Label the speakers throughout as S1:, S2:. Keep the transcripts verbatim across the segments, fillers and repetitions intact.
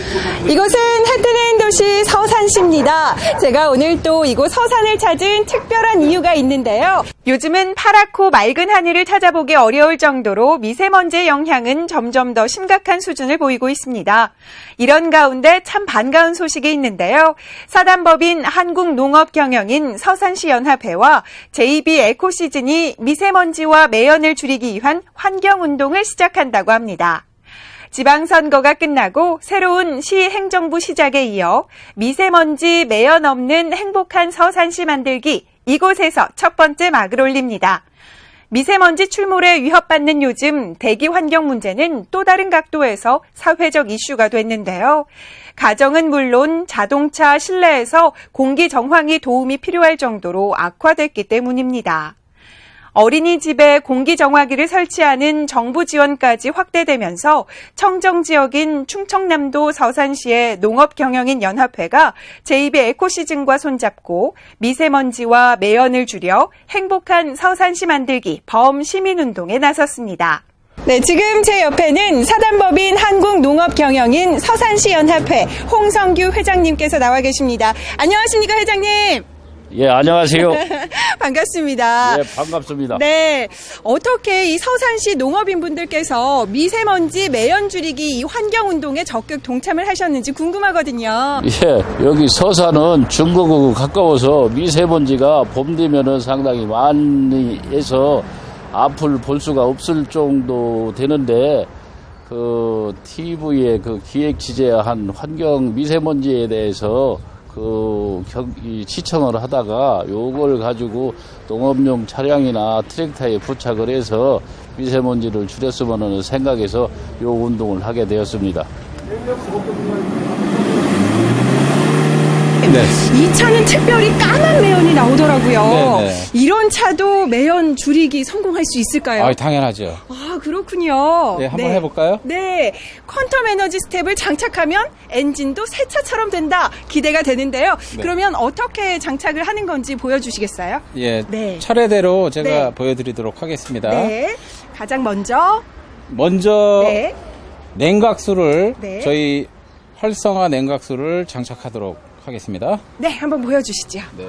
S1: 이곳은 해뜨는 도시 서산시입니다. 제가 오늘 또 이곳 서산을 찾은 특별한 이유가 있는데요. 요즘은 파랗고 맑은 하늘을 찾아보기 어려울 정도로 미세먼지의 영향은 점점 더 심각한 수준을 보이고 있습니다. 이런 가운데 참 반가운 소식이 있는데요. 사단법인 한국농업경영인 서산시연합회와 제이비 에코시즌이 미세먼지와 매연을 줄이기 위한 환경운동을 시작한다고 합니다. 지방선거가 끝나고 새로운 시행정부 시작에 이어 미세먼지 매연 없는 행복한 서산시 만들기, 이곳에서 첫 번째 막을 올립니다. 미세먼지 출몰에 위협받는 요즘 대기 환경 문제는 또 다른 각도에서 사회적 이슈가 됐는데요. 가정은 물론 자동차 실내에서 공기 정황이 도움이 필요할 정도로 악화됐기 때문입니다. 어린이집에 공기정화기를 설치하는 정부 지원까지 확대되면서 청정 지역인 충청남도 서산시의 농업경영인 연합회가 제이비 에코시즌과 손잡고 미세먼지와 매연을 줄여 행복한 서산시 만들기 범시민운동에 나섰습니다. 네, 지금 제 옆에는 사단법인 한국농업경영인 서산시연합회 홍성규 회장님께서 나와 계십니다. 안녕하십니까, 회장님?
S2: 예, 안녕하세요.
S1: 반갑습니다.
S2: 예, 반갑습니다.
S1: 네, 어떻게 이 서산시 농업인분들께서 미세먼지 매연 줄이기 이 환경운동에 적극 동참을 하셨는지 궁금하거든요.
S2: 예, 여기 서산은 중국하고 가까워서 미세먼지가 봄 되면은 상당히 많이 해서 앞을 볼 수가 없을 정도 되는데, 그 티비에 그 기획 취재한 환경 미세먼지에 대해서 그 경, 이 시청을 하다가 요걸 가지고 농업용 차량이나 트랙터에 부착을 해서 미세먼지를 줄였으면 하는 생각에서 요 운동을 하게 되었습니다.
S1: 네. 이 차는 특별히 까만 매연이 나오더라고요. 네네. 이런 차도 매연 줄이기 성공할 수 있을까요?
S3: 아, 당연하죠.
S1: 아, 그렇군요.
S3: 네, 한번 네. 해볼까요?
S1: 네. 퀀텀 에너지 스텝을 장착하면 엔진도 새 차처럼 된다. 기대가 되는데요. 네. 그러면 어떻게 장착을 하는 건지 보여주시겠어요?
S3: 예. 네. 차례대로 제가 네. 보여드리도록 하겠습니다.
S1: 네. 가장 먼저.
S3: 먼저
S1: 네.
S3: 냉각수를
S1: 네.
S3: 저희 활성화 냉각수를 장착하도록 하겠습니다.
S1: 네, 한번 보여주시죠. 네.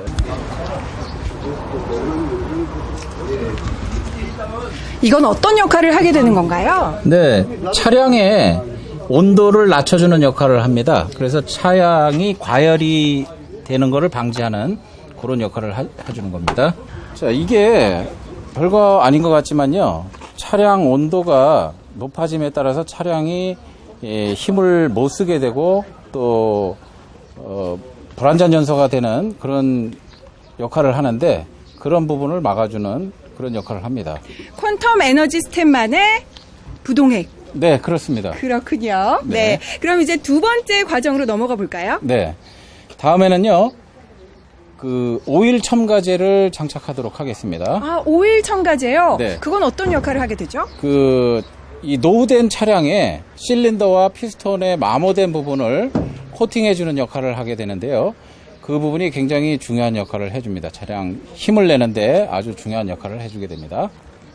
S1: 이건 어떤 역할을 하게 되는 건가요?
S3: 네, 차량의 온도를 낮춰주는 역할을 합니다. 그래서 차량이 과열이 되는 것을 방지하는 그런 역할을 하, 해주는 겁니다. 자, 이게 별거 아닌 것 같지만요. 차량 온도가 높아짐에 따라서 차량이 예, 힘을 못 쓰게 되고 또 어, 불안전 연소가 되는 그런 역할을 하는데 그런 부분을 막아주는 그런 역할을 합니다.
S1: 퀀텀 에너지 스텝만의 부동액.
S3: 네, 그렇습니다.
S1: 그렇군요. 네. 네. 그럼 이제 두 번째 과정으로 넘어가 볼까요?
S3: 네. 다음에는요, 그 오일 첨가제를 장착하도록 하겠습니다.
S1: 아, 오일 첨가제요?
S3: 네.
S1: 그건 어떤 역할을 하게 되죠?
S3: 그, 이 노후된 차량의 실린더와 피스톤의 마모된 부분을 코팅해주는 역할을 하게 되는데요. 그 부분이 굉장히 중요한 역할을 해줍니다. 차량 힘을 내는데 아주 중요한 역할을 해주게 됩니다.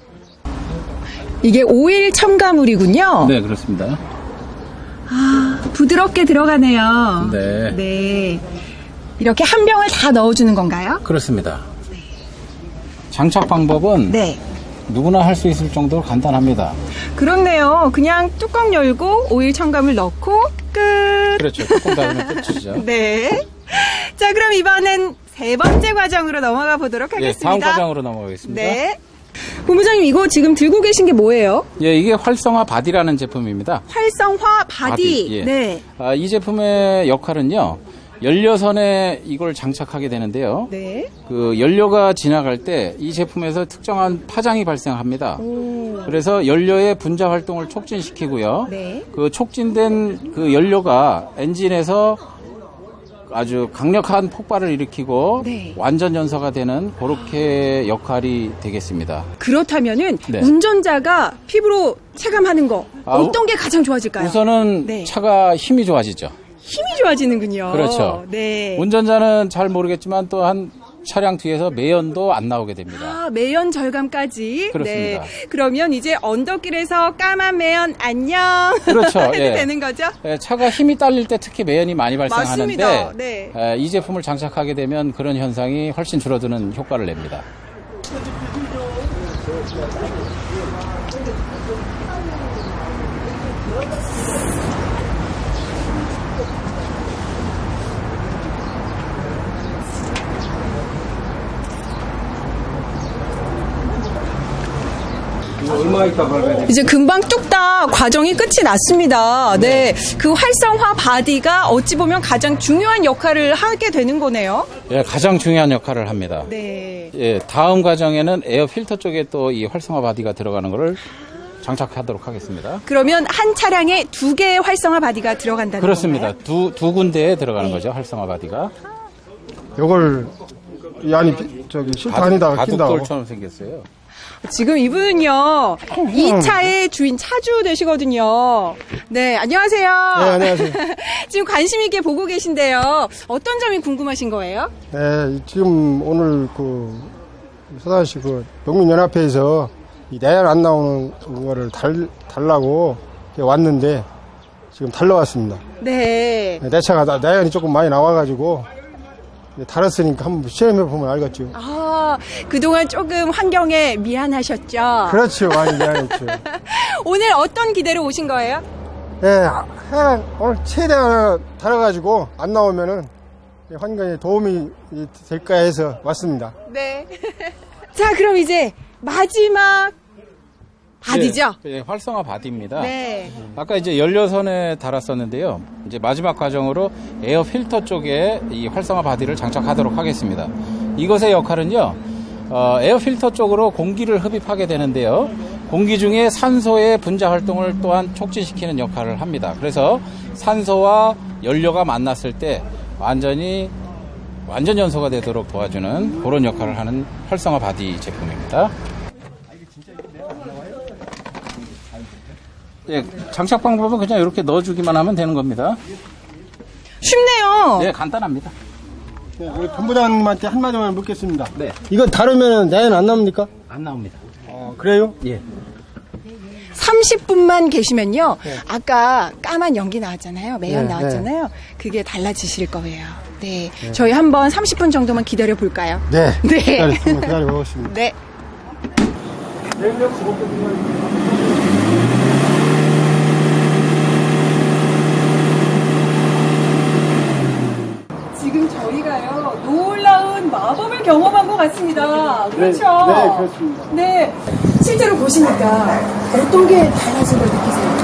S1: 이게 오일 첨가물이군요.
S3: 네, 그렇습니다.
S1: 아, 부드럽게 들어가네요.
S3: 네.
S1: 네. 이렇게 한 병을 다 넣어주는 건가요?
S3: 그렇습니다. 네. 장착 방법은 네. 누구나 할 수 있을 정도로 간단합니다.
S1: 그렇네요. 그냥 뚜껑 열고 오일 첨가물 넣고 끝.
S3: 그렇죠. 뚜껑 닫으면 끝이죠.
S1: 네. 자, 그럼 이번엔 세 번째 과정으로 넘어가 보도록 하겠습니다.
S3: 네, 다음 과정으로 넘어가겠습니다.
S1: 네. 본부장님, 이거 지금 들고 계신 게 뭐예요?
S3: 예, 이게 활성화 바디라는 제품입니다.
S1: 활성화 바디. 바디 예. 네.
S3: 아, 이 제품의 역할은요. 연료선에 이걸 장착하게 되는데요.
S1: 네.
S3: 그 연료가 지나갈 때 이 제품에서 특정한 파장이 발생합니다. 오. 그래서 연료의 분자 활동을 촉진시키고요.
S1: 네.
S3: 그 촉진된 그 연료가 엔진에서 아주 강력한 폭발을 일으키고 네. 완전 연소가 되는 그렇게 역할이 되겠습니다.
S1: 그렇다면은 네. 운전자가 피부로 체감하는 거
S3: 아,
S1: 어떤 게 가장 좋아질까요?
S3: 우선은 네. 차가 힘이 좋아지죠.
S1: 힘이 좋아지는군요.
S3: 그렇죠.
S1: 네.
S3: 운전자는 잘 모르겠지만 또 한 차량 뒤에서 매연도 안 나오게 됩니다.
S1: 아, 매연 절감까지.
S3: 그렇습니다.
S1: 네. 그러면 이제 언덕길에서 까만 매연 안녕.
S3: 그렇죠.
S1: 해도
S3: 예.
S1: 되는 거죠?
S3: 예, 차가 힘이 딸릴 때 특히 매연이 많이 발생하는데
S1: 맞습니다. 네.
S3: 예, 이 제품을 장착하게 되면 그런 현상이 훨씬 줄어드는 효과를 냅니다.
S4: 얼마 있다 벌어야 돼?
S1: 이제 금방 뚝딱 과정이 끝이 났습니다. 네. 그 활성화 바디가 어찌 보면 가장 중요한 역할을 하게 되는 거네요.
S3: 예, 가장 중요한 역할을 합니다.
S1: 네.
S3: 예, 다음 과정에는 에어 필터 쪽에 또 이 활성화 바디가 들어가는 것을 장착하도록 하겠습니다.
S1: 그러면 한 차량에 두 개의 활성화 바디가 들어간다는
S3: 그렇습니다.
S1: 건가요?
S3: 두, 두 군데에 들어가는 거죠, 활성화 바디가.
S4: 요걸 이 안이 비- 저기 실탄에다가 낀다고.
S3: 바둑돌처럼 생겼어요.
S1: 지금 이분은요, 이 차의 주인 차주 되시거든요. 네, 안녕하세요.
S4: 네, 안녕하세요.
S1: 지금 관심 있게 보고 계신데요. 어떤 점이 궁금하신 거예요?
S4: 네, 지금 오늘 그 서산시 그 농민연합회에서 이 내연 안 나오는 거를 달 달라고 이렇게 왔는데 지금 달러왔습니다.
S1: 네.
S4: 내 차가 나- 내연이 조금 많이 나와가지고 달았으니까 한번 시험해 보면 알겠죠.
S1: 아, 그동안 조금 환경에 미안하셨죠?
S4: 그렇죠, 많이 미안했죠.
S1: 오늘 어떤 기대로 오신 거예요?
S4: 예, 한 오늘 최대한 달아가지고 안 나오면은 환경에 도움이 될까 해서 왔습니다.
S1: 네. 자, 그럼 이제 마지막 바디죠?
S3: 예, 예, 활성화 바디입니다.
S1: 네.
S3: 아까 이제 연료선에 달았었는데요. 이제 마지막 과정으로 에어 필터 쪽에 이 활성화 바디를 장착하도록 하겠습니다. 이것의 역할은요, 어, 에어 필터 쪽으로 공기를 흡입하게 되는데요. 공기 중에 산소의 분자 활동을 또한 촉진시키는 역할을 합니다. 그래서 산소와 연료가 만났을 때 완전히 완전 연소가 되도록 도와주는 그런 역할을 하는 활성화 바디 제품입니다. 예, 장착 방법은 그냥 이렇게 넣어주기만 하면 되는 겁니다.
S1: 쉽네요.
S3: 네, 간단합니다.
S4: 네, 우리 본부장님한테 한마디만 묻겠습니다.
S3: 네.
S4: 이거 다루면 내연 안 나옵니까?
S3: 안 나옵니다.
S4: 어, 그래요?
S3: 예.
S1: 삼십 분만 계시면요. 아까 까만 연기 나왔잖아요. 매연
S4: 네,
S1: 나왔잖아요. 그게 달라지실 거예요. 네. 저희 한번 삼십 분 정도만 기다려 볼까요?
S4: 네.
S1: 네.
S4: 기다려, 한번 기다려 보겠습니다.
S1: 네. 지금 저희가요, 놀라운 마법을 경험한 것 같습니다. 그렇죠?
S4: 네, 그렇습니다.
S1: 네. 실제로 보시니까 어떤 게 달라진 걸 느끼세요?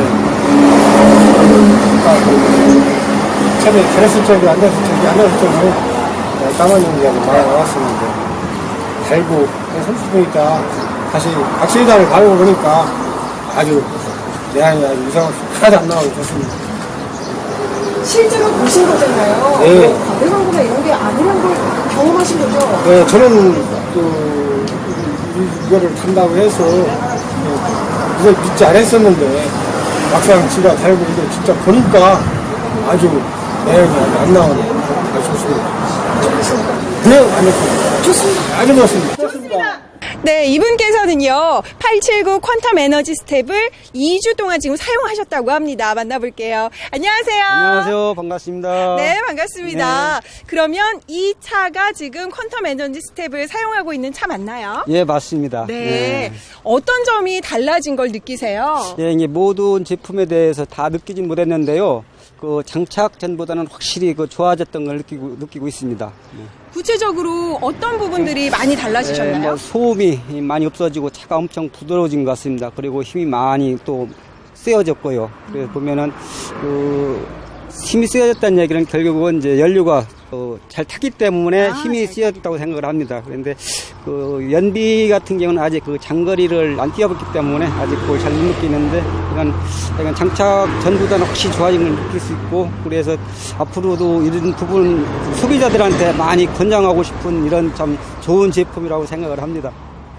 S4: 처음에 그랬을 적이 앉았을 적이 앉았을 적이 까만 연기가 많이 나왔었는데 달고 삼십 분 있다 다시 박시리다를 가고 보니까 아주 내안이 아주 이상 하나도 안 나오고 좋습니다.
S1: 실제로 보신 거잖아요.
S4: 네.
S1: 뭐 과대 광고나 이런 게 아니란 걸 경험하신 거죠?
S4: 네, 저는 그 이- 이거를 탄다고 해서 네, 이걸 믿지 않았었는데 막상 지가 달고 이거 진짜 보니까 아주 내안이 아주 안 나오네. 아주 좋습니다. 네, 안 좋습니다.
S1: 좋습니다.
S4: 아주 좋습니다. 좋습니다.
S1: 네, 이분께서는요, 팔칠구 퀀텀 에너지 스텝을 이 주 동안 지금 사용하셨다고 합니다. 만나볼게요. 안녕하세요.
S5: 안녕하세요. 반갑습니다.
S1: 네, 반갑습니다. 그러면 이 차가 지금 퀀텀 에너지 스텝을 사용하고 있는 차 맞나요?
S5: 예, 맞습니다.
S1: 네. 어떤 점이 달라진 걸 느끼세요?
S5: 예, 이게 모든 제품에 대해서 다 느끼진 못했는데요. 그 장착 전보다는 확실히 그 좋아졌던 걸 느끼고 느끼고 있습니다.
S1: 구체적으로 어떤 부분들이 많이
S5: 예,
S1: 달라지셨나요?
S5: 뭐 소음이 많이 없어지고 차가 엄청 부드러워진 것 같습니다. 그리고 힘이 많이 또 세어졌고요. 그래서 보면은 그 힘이 세어졌다는 얘기는 결국은 이제 연료가 어, 잘 타기 때문에
S1: 아,
S5: 힘이
S1: 잘
S5: 세어졌다고 생각을 합니다. 그런데 그 연비 같은 경우는 아직 그 장거리를 안 뛰어봤기 때문에 아직 그걸 잘 못 느끼는데 이건, 이건 장착 전보다는 확실히 좋아진 걸 느낄 수 있고 그래서 앞으로도 이런 부분 소비자들한테 많이 권장하고 싶은 이런 참 좋은 제품이라고 생각을 합니다.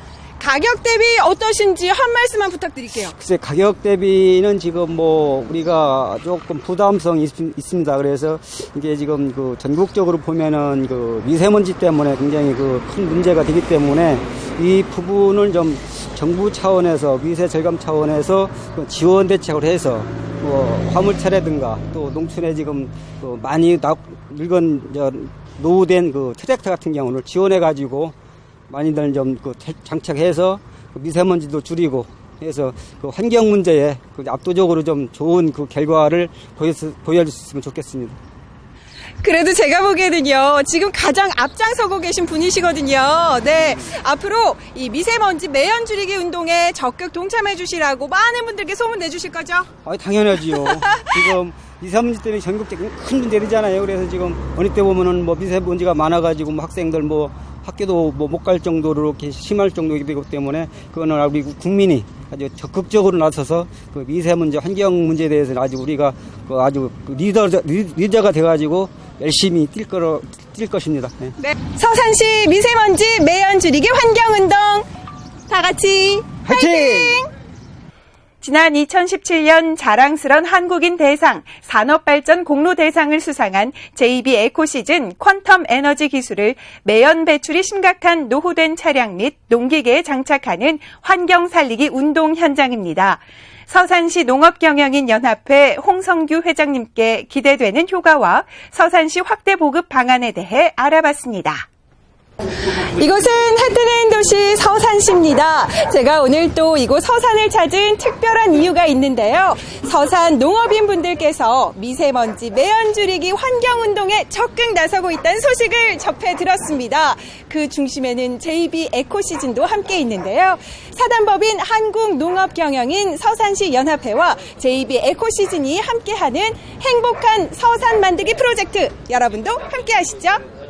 S1: 가격 대비 어떠신지 한 말씀만 부탁드릴게요.
S5: 글쎄 가격 대비는 지금 뭐 우리가 조금 부담성이 있, 있습니다. 그래서 이게 지금 그 전국적으로 보면은 그 미세먼지 때문에 굉장히 그 큰 문제가 되기 때문에 이 부분을 좀 정부 차원에서 미세 절감 차원에서 그 지원 대책을 해서 뭐 화물차라든가 또 농촌에 지금 그 많이 나, 늙은 저 노후된 그 트랙터 같은 경우를 지원해 가지고 많이들 좀 그 장착해서 그 미세먼지도 줄이고 해서 그 환경 문제에 그 압도적으로 좀 좋은 그 결과를 보여줄 수 있으면 좋겠습니다.
S1: 그래도 제가 보기에는요, 지금 가장 앞장서고 계신 분이시거든요. 네. 앞으로 이 미세먼지 매연 줄이기 운동에 적극 동참해 주시라고 많은 분들께 소문 내주실 거죠?
S5: 아, 당연하지요. 지금 미세먼지 때문에 전국적인 큰 문제잖아요. 그래서 지금 어느 때 보면은 뭐 미세먼지가 많아가지고 뭐 학생들 뭐 학교도 뭐 못 갈 정도로 이렇게 심할 정도이기 되기 때문에 그거는 우리 국민이 아주 적극적으로 나서서 그 미세먼지 환경 문제에 대해서는 아주 우리가 그 아주 리더 리더가 돼가지고 열심히 뛸 거로 뛸 것입니다. 네.
S1: 네. 서산시 미세먼지 매연 줄이기 환경 운동 다 같이
S5: 화이팅!
S1: 화이팅! 지난 이천십칠 년 자랑스런 한국인 대상, 산업발전 공로 대상을 수상한 제이비 에코시즌 퀀텀 에너지 기술을 매연 배출이 심각한 노후된 차량 및 농기계에 장착하는 환경 살리기 운동 현장입니다. 서산시 농업경영인 연합회 홍성규 회장님께 기대되는 효과와 서산시 확대 보급 방안에 대해 알아봤습니다. 이곳은 해뜨는 도시 서산시입니다. 제가 오늘 또 이곳 서산을 찾은 특별한 이유가 있는데요. 서산 농업인 분들께서 미세먼지 매연 줄이기 환경운동에 적극 나서고 있다는 소식을 접해 들었습니다. 그 중심에는 제이비 에코시즌도 함께 있는데요. 사단법인 한국농업경영인 서산시 연합회와 제이비 에코시즌이 함께하는 행복한 서산 만들기 프로젝트, 여러분도 함께 하시죠.